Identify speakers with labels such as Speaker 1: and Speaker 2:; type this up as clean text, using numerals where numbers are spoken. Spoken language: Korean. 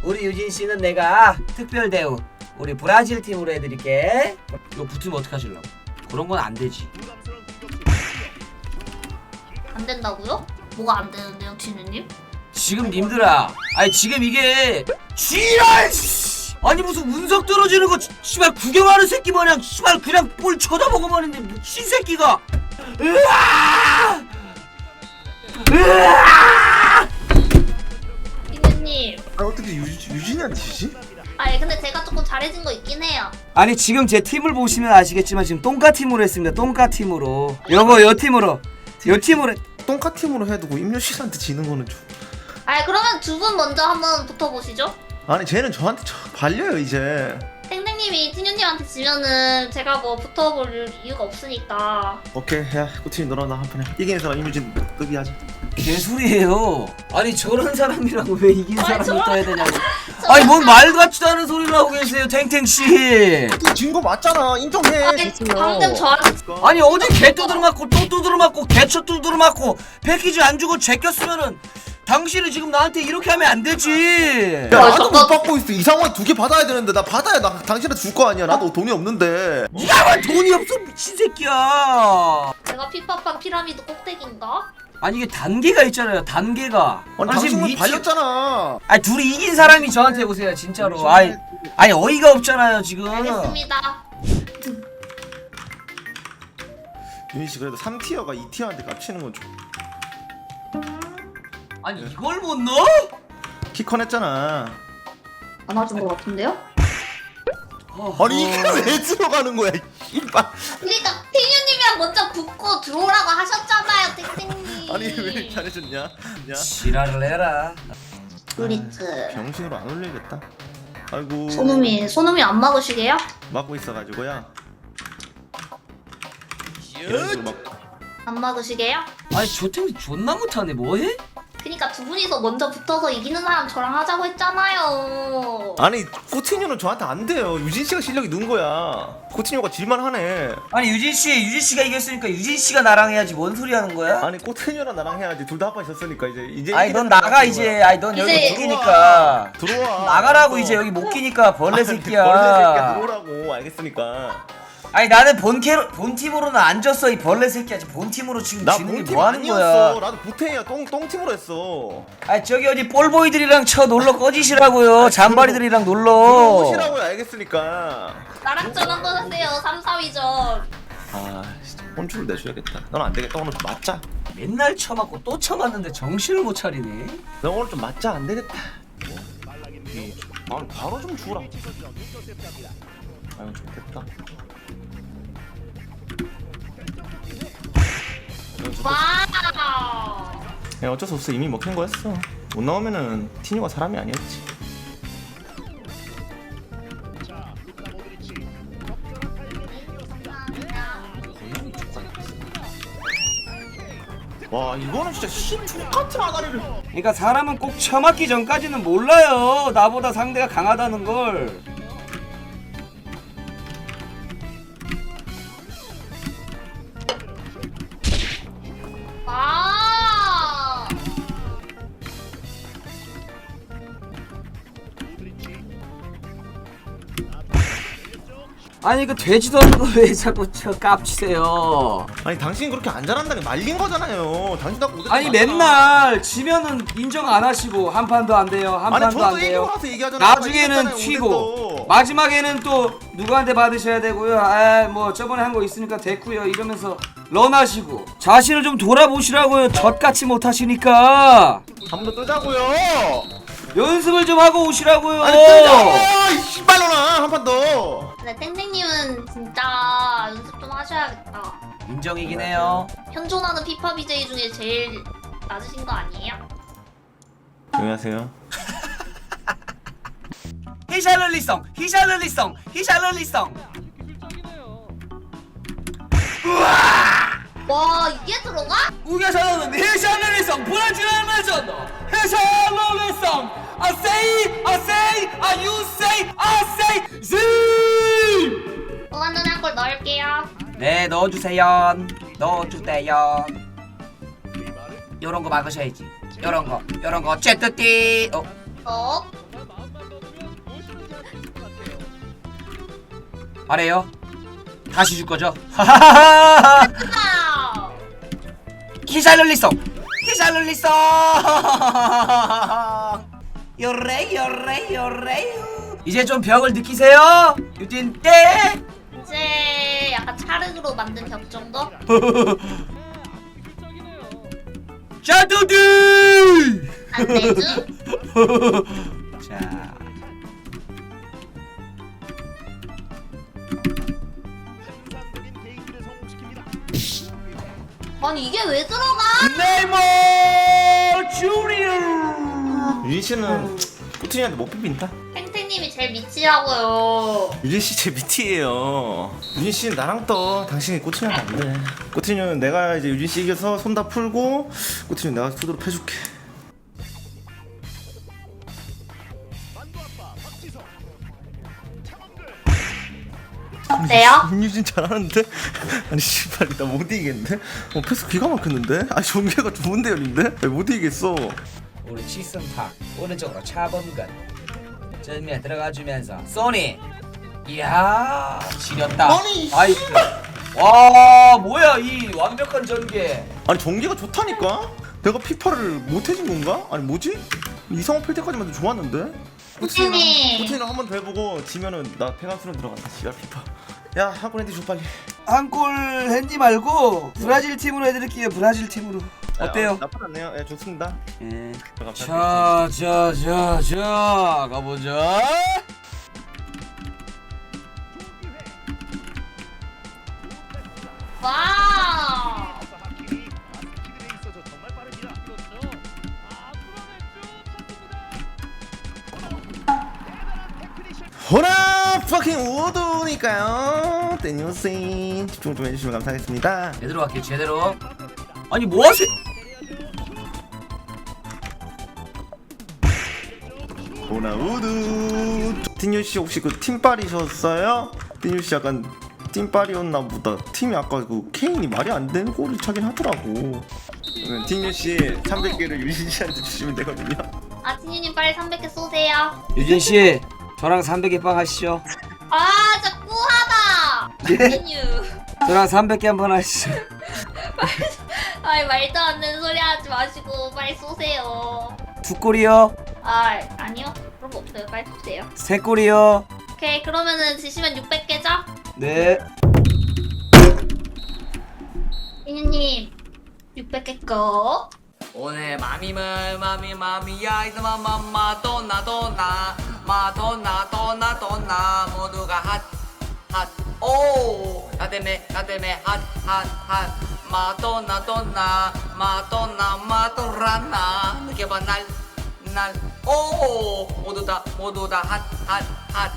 Speaker 1: 우리 유진 씨는 내가 특별 대우 우리 브라질 팀으로 해드릴게. 이거 붙으면 어떡하실라고? 그런 건 안 되지.
Speaker 2: 안 된다고요? 뭐가 안 되는데요, 진우님?
Speaker 1: 지금 님들아, 아니 지금 이게 지랄! 아니 무슨 운석 떨어지는 거 씨발 구경하는 새끼 마냥 씨발 그냥 볼 쳐다보고만 있는데 미친 새끼가. 으아! 으아!
Speaker 2: 진우님.
Speaker 3: 아 어떻게 유진이한테 지지?
Speaker 2: 아니 근데 제가 조금 잘해진 거 있긴 해요.
Speaker 1: 아니 지금 제 팀을 보시면 아시겠지만 지금 똥까 팀으로 했습니다. 똥까 팀으로. 요 팀으로. 요 팀으로.
Speaker 3: 똥카 팀으로 해두고 임효 씨한테 지는 거는 좀.
Speaker 2: 아니 그러면 두 분 먼저 한번 붙어보시죠.
Speaker 3: 아니 쟤는 저한테 발려요 이제.
Speaker 2: 땡땡님이 진우님한테 지면은 제가 뭐 붙어볼 이유가 없으니까.
Speaker 3: 오케이 야 꾸팀 너랑 나 한 판 해. 이기는 사람 임효진 급이 하자.
Speaker 1: 개소리예요. 아니 저런 사람이라고 왜 이긴
Speaker 2: 아니,
Speaker 1: 사람이
Speaker 2: 저런
Speaker 1: 떠야 되냐고. 아니 뭔 말 같지도 않은 소리를 하고 계세요, 탱탱씨.
Speaker 3: 진거 맞잖아 인정해.
Speaker 2: 아니 방금 저한테
Speaker 1: 아니 어제 개 두드려 맞고 또 두드려 맞고 개쳐 두드려 맞고 패키지 안 주고 제꼈으면은 당신이 지금 나한테 이렇게 하면 안 되지.
Speaker 3: 야 나도 못 받고 있어. 이 상황에 2개 받아야 되는데 나 받아야 나 당신한테 줄 거 아니야. 나도 돈이 없는데.
Speaker 1: 네가 왜 돈이 없어 미친 새끼야.
Speaker 2: 제가 피파빵 피라미드 꼭대기인가?
Speaker 1: 아니 이게 단계가 있잖아요, 단계가.
Speaker 3: 아니 당신은 발렸잖아.
Speaker 1: 아니 둘이 이긴 사람이 저한테 오세요 진짜로. 아니 어이가 없잖아요 지금.
Speaker 2: 알겠습니다.
Speaker 3: 유진 씨 그래도 3티어가 2티어한테 깝치는 건 좀.
Speaker 1: 아니 이걸 못 넣어?
Speaker 3: 키컨 했잖아.
Speaker 2: 안 맞은 것 같은데요?
Speaker 3: 아니 이게 왜 들어가는 거야? 이발.
Speaker 2: 그러니까 팅유님이랑 먼저 붙고 들어오라고 하셨잖아요, 땡땡님.
Speaker 3: 아니 왜 잘해줬냐? 야.
Speaker 1: 지랄을 해라.
Speaker 2: 브리트.
Speaker 3: 병신으로 안 올리겠다. 아이고.
Speaker 2: 소놈이 안 막으시게요?
Speaker 3: 막고 있어가지고요. 이런 식으로 막.
Speaker 2: 안 막으시게요?
Speaker 1: 아니 저 팀이 존나 못하네. 뭐해?
Speaker 2: 그니까 두 분이서 먼저 붙어서 이기는 사람 저랑 하자고 했잖아요.
Speaker 3: 아니 코티뉴는 저한테 안 돼요. 유진 씨가 실력이 는 거야. 코티뉴가 질만하네.
Speaker 1: 아니 유진 씨가 이겼으니까 유진 씨가 나랑 해야지. 뭔 소리 하는 거야?
Speaker 3: 아니 코티뉴랑 나랑 해야지. 둘 다 합판 졌으니까 이제.
Speaker 1: 아니 넌 나가 이제. 아니 넌 여기
Speaker 2: 이제
Speaker 1: 못 끼니까.
Speaker 3: 들어와.
Speaker 1: 나가라고 이제 여기 못 끼니까 벌레 새끼야.
Speaker 3: 벌레 새끼야 들어오라고. 알겠으니까.
Speaker 1: 아니 나는 본 팀으로는 안 졌어 이 벌레 새끼야. 지금 본 팀으로 지금
Speaker 3: 나
Speaker 1: 지는 게
Speaker 3: 본팀
Speaker 1: 뭐 하는
Speaker 3: 아니었어.
Speaker 1: 거야?
Speaker 3: 나도 보태야 똥팀으로 했어.
Speaker 1: 아니 저기 어디 볼보이들이랑 쳐 놀러 꺼지시라고요.
Speaker 3: 아니,
Speaker 1: 잠바리들이랑 놀러.
Speaker 3: 들어오시라고요. 알겠으니까.
Speaker 2: 나랑 전 한번 하세요. 3, 4위전.
Speaker 3: 아 진짜 혼쭐을 내줘야겠다. 넌 안 되겠다. 오늘 좀 맞자.
Speaker 1: 맨날 쳐맞고 또 쳐맞는데 정신을 못 차리네.
Speaker 3: 너 오늘 좀 맞자. 안 되겠다. 아니 바로 좀 주라. 아유 좋겠다.
Speaker 2: 와우.
Speaker 3: 야 어쩔 수 없어. 이미 먹힌 거였어. 못 나오면은 티뉴가 사람이 아니었지. 와 이거는 진짜 똑같은 아다리를.
Speaker 1: 그러니까 사람은 꼭 쳐맞기 전까지는 몰라요. 나보다 상대가 강하다는 걸.
Speaker 2: 와.
Speaker 1: 아니 그 돼지도 않는 거 왜 자꾸 저 깝치세요.
Speaker 3: 아니 당신 그렇게 안 잘한다니 말린 거잖아요. 당신 다 고생
Speaker 1: 아니
Speaker 3: 많잖아.
Speaker 1: 맨날 지면은 인정 안 하시고 한 판도 안 돼요. 한
Speaker 3: 아니
Speaker 1: 판도 안
Speaker 3: 저도
Speaker 1: 돼요.
Speaker 3: 얘기 와서 얘기하잖아요.
Speaker 1: 나중에는
Speaker 3: 이겼잖아요,
Speaker 1: 튀고
Speaker 3: 오늘도.
Speaker 1: 마지막에는 또 누구한테 받으셔야 되고요. 아 뭐 저번에 한 거 있으니까 됐고요. 이러면서 런하시고 자신을 좀 돌아보시라고요. 젖같이 못하시니까
Speaker 3: 한 번 더 뜨자고요.
Speaker 1: 연습을 좀 하고 오시라고요.
Speaker 3: 아니 뜨자고. 이 씨발로나 한 판 더.
Speaker 2: 근데 땡땡님은 진짜 연습 좀 하셔야겠다.
Speaker 1: 인정이긴 해요.
Speaker 2: 현존하는 피파 BJ 중에 제일 낮으신 거 아니에요?
Speaker 3: 안녕하세요.
Speaker 1: 히샬럴리성 히샬럴리성
Speaker 2: 와 이게 들어가?
Speaker 1: 우겨서는 히샬럴리성 브라질 알마전 히샬럴리성 I say you say Z.
Speaker 2: 또한 눈에 한골 넣을게요.
Speaker 1: 네 넣어주세요. 요런 거 막으셔야지. 요런 거 째뜨띠.
Speaker 2: 어?
Speaker 1: 말해요. 다시 줄 거죠?
Speaker 2: 와우.
Speaker 1: 기샬룰리송 기샬룰리송 요레 이제 좀 벽을 느끼세요? 유진 때
Speaker 2: 이제 약간 찰흙으로 만든 벽 정도?
Speaker 1: 자두들
Speaker 2: 안 내주?
Speaker 1: 자
Speaker 2: 아니 이게 왜 들어가?
Speaker 1: 네이버 주리오
Speaker 3: 유진 씨는 꾸준히한테 못 비빈다.
Speaker 2: 탱탱님이 제일 미치라고요.
Speaker 3: 유진 씨 제 밑이에요. 유진 씨는 나랑 떠. 당신이 꾸준히한테 안 돼. 꾸준히는 내가 이제 유진 씨 이겨서 손 다 풀고 꾸준히 내가 수두로 패줄게.
Speaker 2: 어때요?
Speaker 3: 김유진 잘하는데? 아니 씨발 나 못 이기겠는데? 패스 기가 막혔는데? 아니 전개가 좋은데 열린데? 못 이기겠어.
Speaker 1: 우리 치승파 오른쪽으로 차범근 전면 들어가주면서 소니 이야 지렸다
Speaker 3: 아니,
Speaker 1: 아이스 와 뭐야 이 완벽한 전개
Speaker 3: 아니 전개가 좋다니까? 내가 피파를 못 해준 건가? 아니 뭐지? 이상호 필 때까지만 해도 좋았는데?
Speaker 2: 선생님.
Speaker 3: 코치랑 한 번 더 해보고 지면은 나 폐감수로 들어간다. 지가 피파. 야 한골 핸디 줘 빨리.
Speaker 1: 한골 핸디 말고 브라질 팀으로 해드릴게요. 브라질 팀으로 어때요?
Speaker 3: 나쁘지 않네요. 예 좋습니다.
Speaker 1: 예.
Speaker 3: 감사합니다.
Speaker 1: 자 가보자.
Speaker 2: 와우.
Speaker 3: 호라 퍼킹 우드니까요. 떼니오세인 집중 좀 해주시면 감사하겠습니다.
Speaker 1: 제대로 갈게요. 제대로. 아니 뭐하세요?
Speaker 3: 호나 우드. 띠뉴 씨 혹시 그 팀빨이셨어요? 띠뉴 씨 약간 팀빨이었나 보다. 팀이 아까 그 케인이 말이 안 되는 골을 차긴 하더라고. 그러면 띠뉴 씨 300개를 유진 씨한테 주시면 되거든요.
Speaker 2: 아 티뉴님 빨리 300개 쏘세요.
Speaker 1: 유진 씨 저랑 300개 빵 하시죠.
Speaker 2: 아 진짜 꾸하다. 티뉴.
Speaker 1: 저랑 300개 한번 하시죠.
Speaker 2: 아이 말도 안 되는 소리 하지 마시고 빨리 쏘세요.
Speaker 1: 두 골이요.
Speaker 2: 아 아니요 그런 거 없어요. 빨리 쏘세요.
Speaker 1: 세 골이요.
Speaker 2: 오케이 그러면은 지시면 600개죠?
Speaker 1: 네.
Speaker 2: 티뉴님 600개 거.
Speaker 4: 오늘 마미야 이제 마돈나 모두가 핫오 나 때문에 핫 마돈나 마도라나 느껴봐 날 오 모두 다 핫